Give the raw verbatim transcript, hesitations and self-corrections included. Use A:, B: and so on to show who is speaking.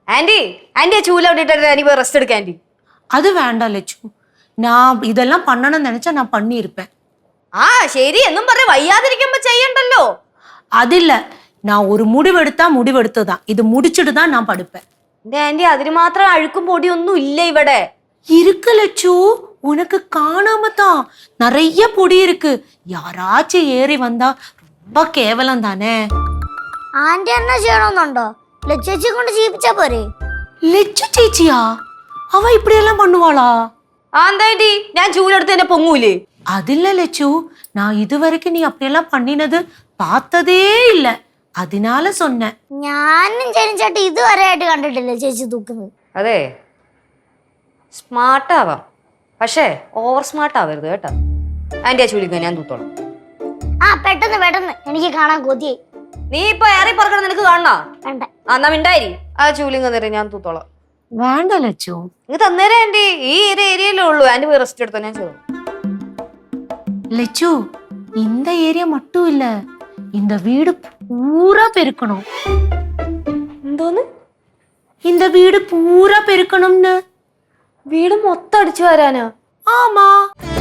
A: Aunty aunty ചൂല വിട്ടിട്ട് anti പോയി rest എടുക്ക ആന്റി.
B: அது வேண்டாம் லட்சு. நான் இதெல்லாம் பண்ணணும்னு நினைச்சா நான் பண்ணியிருப்பேன்.
A: ആ ശരി എന്നും പറഞ്ഞ് വയ്യാതിരിക്കുമ്പോ ചെയ്യണ്ടല്ലോ.
B: അതില്ല, நான் ஒரு முடிவெடுத்தா முடிவெடுத்ததான். இது முடிச்சிட்டு தான் நான் படுப்பேன்.
A: എന്റെ ആന്റി അതിന് മാത്രം അഴുക്കും പൊടിയൊന്നും ഇല്ല ഇവിടെ.
B: இருக்கு லட்சு, உனக்கு காணாம தான் நிறைய பொடி இருக்கு. யாராச்சும் ஏறி வந்தா ரொம்ப கேவலம் தானே.
C: ആന്റി എന്നാ ചെയ്യണമെന്നുണ്ടോ? ലച്ചേച്ചി കൊണ്ട് ചെയ്യിപ്പിച്ചാ പോരെ?
B: லட்சு ചേച്ചിയാ? അവ இப்படியெல்லாம் பண்ணுவாளா?
A: ആ എന്താ ആന്റി ഞാൻ ചൂലെടുത്ത് എന്നെ പൊങ്ങൂലേ?
B: அதில்ல லட்சு, நான் இதுவரைக்கும் நீ அப்படியெல்லாம் பண்ணினது பார்த்ததே இல்ல, அதனால சொன்னேன்.
C: ഞാനും ചേച്ചി ഇതുവരെ ആയിട്ട് കണ്ടിട്ടില്ല ചേച്ചി തൂക്കുന്നത്.
A: അതെ സ്മാർട്ട് ആവാം, പക്ഷേ ഓവർ സ്മാർട്ട് ആവരുത് കേട്ടോ. ആന്റി ആ ചൂലിക്ക ഞാൻ തൂത്തോളാം.
C: ആ പെട്ടെന്ന് പെട്ടെന്ന്, എനിക്ക് കാണാൻ കൊതിയായി.
A: നീ ഇപ്പൊ ഏറി പറക്കണം, നിനക്ക് കാണണോ?
C: വേണ്ട.
A: ആ എന്നാ മിണ്ടായി ആ ചൂലിങ് തന്നേരെ ഞാൻ തൂത്തോളാം.
B: വേണ്ട ലച്ചു,
A: നിങ്ങൾ തന്നേരെ ആന്റി, ഈ ഒരു ഏരിയയിലേ ഉള്ളൂ. ആന്റി പോയി റെസ്റ്റ് എടുത്തോ, ഞാൻ ചെയ്തു.
B: லட்சு இந்த ஏரியா மட்டும் இல்ல, இந்த வீடு பூரா பெருக்கணும்.
A: എന്തോന്ന്?
B: இந்த வீடு பூரா பெருக்கணும்னு.
A: വീട് മൊത്തം അടിച്ചു വരാനോ?
B: ஆமா.